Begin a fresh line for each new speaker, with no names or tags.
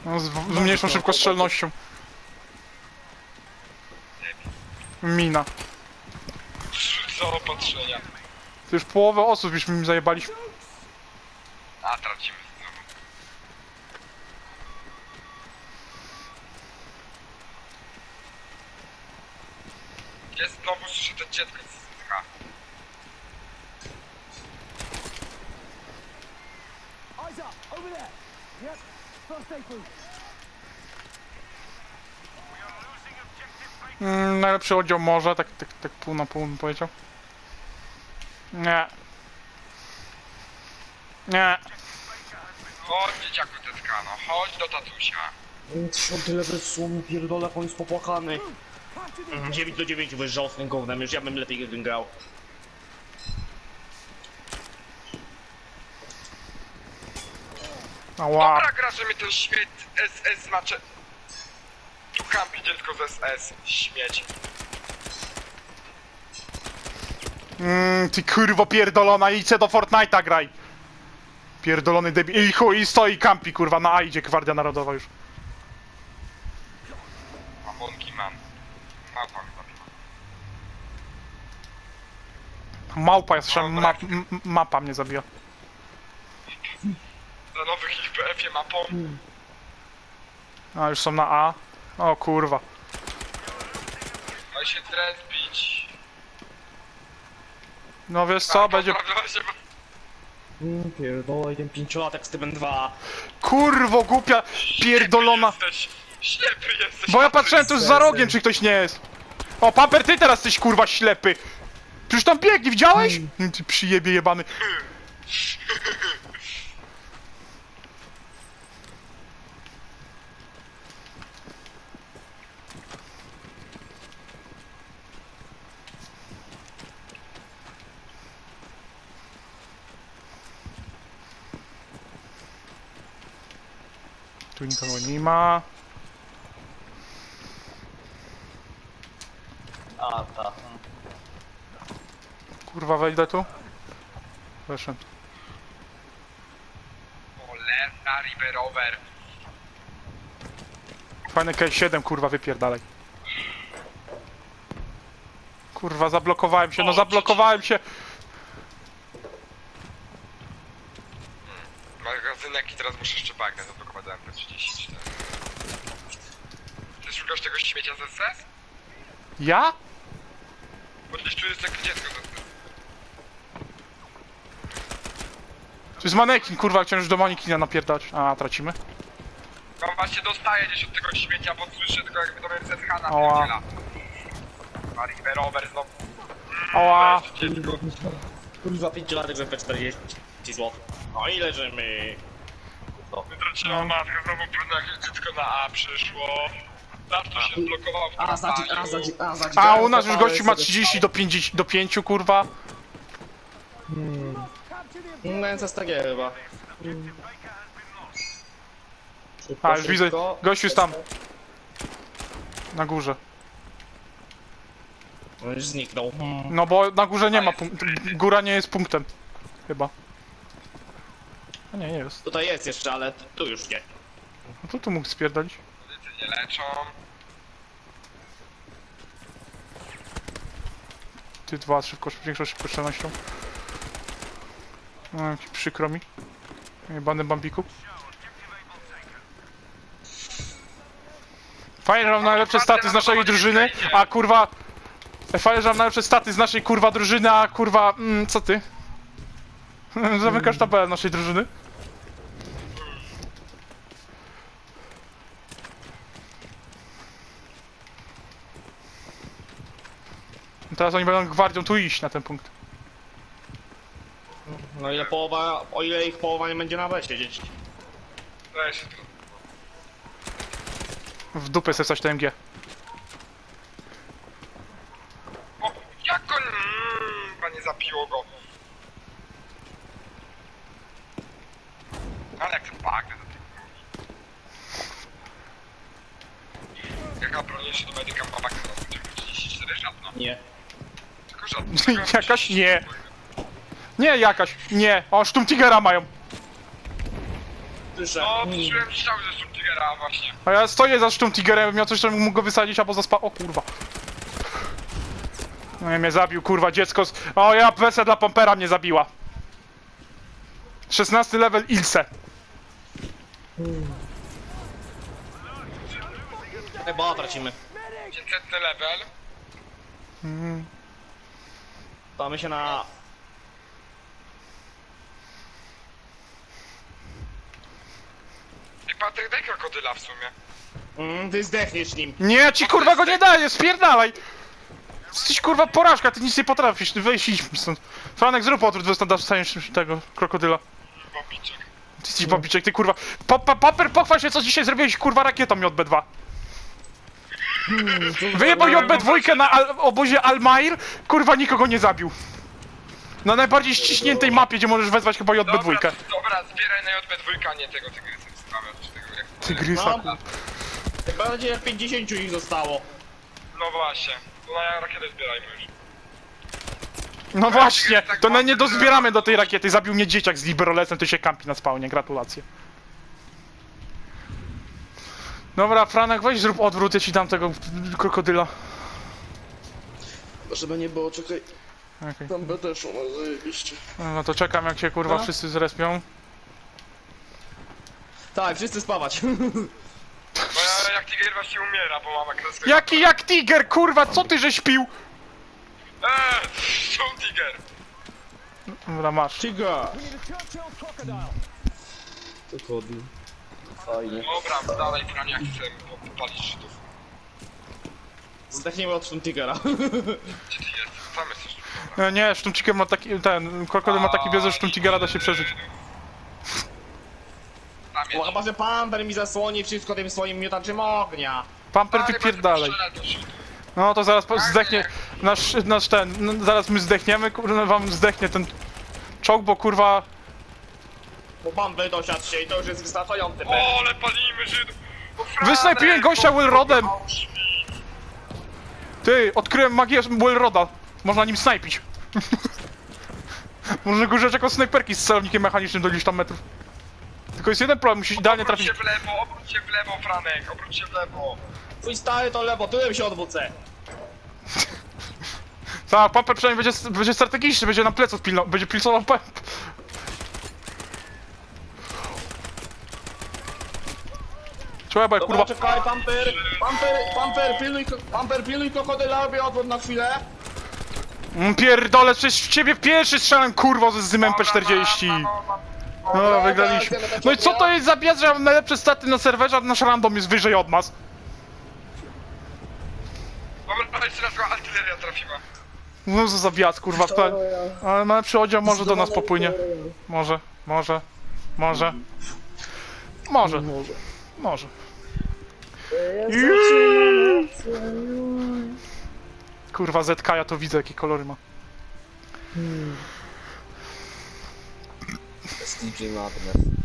No, z mniejszą szybkostrzelnością. Mina.
Co opatrzenia.
To już połowę osób już mi zajebaliśmy.
A, tracimy znowu. Jest znowu, słyszę to dziecko z SH.
Eyes up, over there. Yep, first aid booth.
Najlepszy oddział może, tak pół na pół bym powiedział. Nie. Nie.
Chodź, dzieciaku tetka, no chodź do tatusia.
10 level słomu pierdolę, jak on jest popłakany. 9/9 wyjeżdżał z tym gównem, już ja bym lepiej grał.
Ała.
Dobra gra, że mi ten śmieć SS znaczy... Tu kampi dziecko z SS, śmieć.
Ty kurwo pierdolona, idź do Fortnite'a graj. Pierdolony debil. I chuj, i stoi kampi kurwa, na A idzie Gwardia Narodowa już.
A Monkey Man. Małpa mi zabiła.
Małpa jest, mapa mnie zabija.
Za nowych IPF-ie mapą.
A, już są na A. O kurwa.
Ma się drespić.
No wiesz co, będzie...
Pierdolę, ten 5-latek z tym 2.
Kurwo głupia, pierdolona.
Jesteś. Ślepy jesteś.
Bo ja patrzyłem tu za rogiem, czy ktoś nie jest. O, Paper, ty teraz jesteś kurwa ślepy. Przecież tam biegnie, widziałeś? Ty przyjebie jebany. Tu nikogo nie ma.
A, ta.
Kurwa, wejdę tu. Weszłem.
Cholerna Riverover.
Fajny K7, kurwa, wypierdalaj. Kurwa, zablokowałem się, no zablokowałem się.
Magazynek i teraz muszę jeszcze bagnę zablokować do MP34. Ty szukasz tego śmiecia z SS?
Ja?
Bo gdzieś tu jest takie dziecko z SS.
To jest manekin, kurwa, chciałem już do manekina napierdać. A, tracimy.
No właśnie dostaję gdzieś od tego śmiecia, bo słyszę tylko jakby to mnie ZH
Ała.
napierdziela. A Riverover znowu.
Ała.
Kurwa, 5-latek z MP40 zł. No i leżymy.
Wytraciła matkę, znowu pewno jakieś dziecko na A przyszło. Zawsze się zblokował w kampanii.
A u nas już gościu ma 30 do 50 do 5, kurwa.
No więc jest takie chyba.
A, już widzę, gościu jest tam. Na górze.
On już zniknął.
No bo na górze nie ma punktu. Góra nie jest punktem. Chyba. A nie, nie jest.
Tutaj jest jeszcze, ale tu już nie.
No to tu mógł spierdolić.
Medycy nie leczą.
Ty dwa, szybko, większą szybkostrzelnością. No, jak przykro mi. Jebany bambiku. Fajnie, że mam najlepsze staty z naszej drużyny, a kurwa... Fajnie, że mam najlepsze staty z naszej kurwa drużyny, a kurwa... co ty? Zamykasz tabelę naszej drużyny? Teraz oni będą gwardią tu iść na ten punkt.
No ile połowa, o ile ich połowa nie będzie na B siedzieć.
Weź się tu.
W dupę sobie coś TMG.
O, jak on... Panie zapiło go. Ale jak ten bagnę do tej broni. Jaka broń jeszcze do medyka ma bagnę na 34 żadna.
Nie.
Tylko żadna.
Jakaś nie. Nie jakaś, nie. O, Sturmtigera mają.
Słyszę.
No, czułem strzały ze Sturmtigera. Tigera właśnie.
A ja stoję za Sturmtigerem, miał coś, to mógł go wysadzić albo o kurwa. No i mnie zabił, kurwa, dziecko z... O, ja wersja dla Pompera mnie zabiła. 16 level Ilse.
Chyba tracimy.
500 level.
Damy się na...
I Patryk, daj krokodyla w sumie.
Ty zdechniesz nim.
Nie, ci kurwa go nie daję, spierdalaj! Jesteś kurwa porażka, ty nic nie potrafisz, wyjść idź stąd. Franek, zrób odwrót, dostaniesz tego krokodyla.
Bobiczek.
Ty jesteś babiczek, ty kurwa. Paper, pochwal się, co dzisiaj zrobiłeś kurwa rakietą JB2. Wyjebał JB2 na obozie Almair, kurwa nikogo nie zabił. Na najbardziej ściśniętej mapie, gdzie możesz wezwać chyba JB2.
Dobra, zbieraj na JB2, a nie tego tygrysa sprawia, czy tego jak...
Tygrysa,
No.
kurwa.
Bardziej jak 50 ich zostało.
No właśnie, to na rakietę zbierajmy już.
No właśnie, to nie dozbieramy do tej rakiety. Zabił mnie dzieciak z Liberolesem, to się kampi na spawnie, gratulacje. Dobra, Franek, weź zrób odwrót, ja ci dam tego krokodyla.
Żeby nie było, czekaj,
Okej.
tam będę szło, no zajebiście.
No to czekam, jak się kurwa
No.
wszyscy zrespią.
Tak, wszyscy spawać.
Bo ja, jak Tiger właśnie umiera, bo mam kreskę.
Jaki jak tiger, kurwa, co ty żeś pił?
Są Tiger.
Dobra, masz.
Tiger.
We need a Churchill crocodile.
Dokładnie. Fajnie.
Dobra, dalej Frania, jak chcę popalić Żydów.
Zdechniemy od Tigera.
Gdzie ty jesteś? Tam jesteś.
Nie, Sztumciker ma taki, ten, krokodyl ma taki biez, że Sztumcigera da się przeżyć.
Tam
Bo
jest.
chyba, że Pamper mi zasłoni wszystko tym swoim miotaczem ognia.
Pamper wypierdalej. No to zaraz zdechnie, nasz ten, no, zaraz my zdechniemy, kurwa, wam zdechnie ten czołg, bo kurwa...
Bo Pamper dosiadł się i to już jest wystarczający.
O, ale palimy Żydów! O, Franek,
Wysnajpiłem gościa Willrodem!
Auschwitz.
Ty, odkryłem magię Willroda. Można nim snajpić. Można go używać jako snajperki z celownikiem mechanicznym do iluś tam metrów. Tylko jest jeden problem, musisz idealnie
Obróć
trafić.
się w lewo, Franek, obróć się w lewo.
Twój stary to lewo, tyłem się odwrócę.
Tak, Pamper przynajmniej będzie strategiczny, będzie nam pleców pilnował, będzie pilnował Trzeba,
Dobra,
kurwa.
czekaj, Pamper, pilnuj krokodyla, robię odwrót na chwilę.
Pierdolę, przecież w ciebie pierwszy strzelam, kurwa, z Zymem P40. No, wygraliśmy. No i co to jest za biaz, że ja mam najlepsze staty na serwerze, a nasz random jest wyżej od nas?
Dobra, jeszcze raz go artyleria trafiła.
No co za biaz, kurwa. Ale ma lepszy oddział, może do nas popłynie. Może. Kurwa, ZK, ja to widzę, jakie kolory ma.
Z DJ Madness.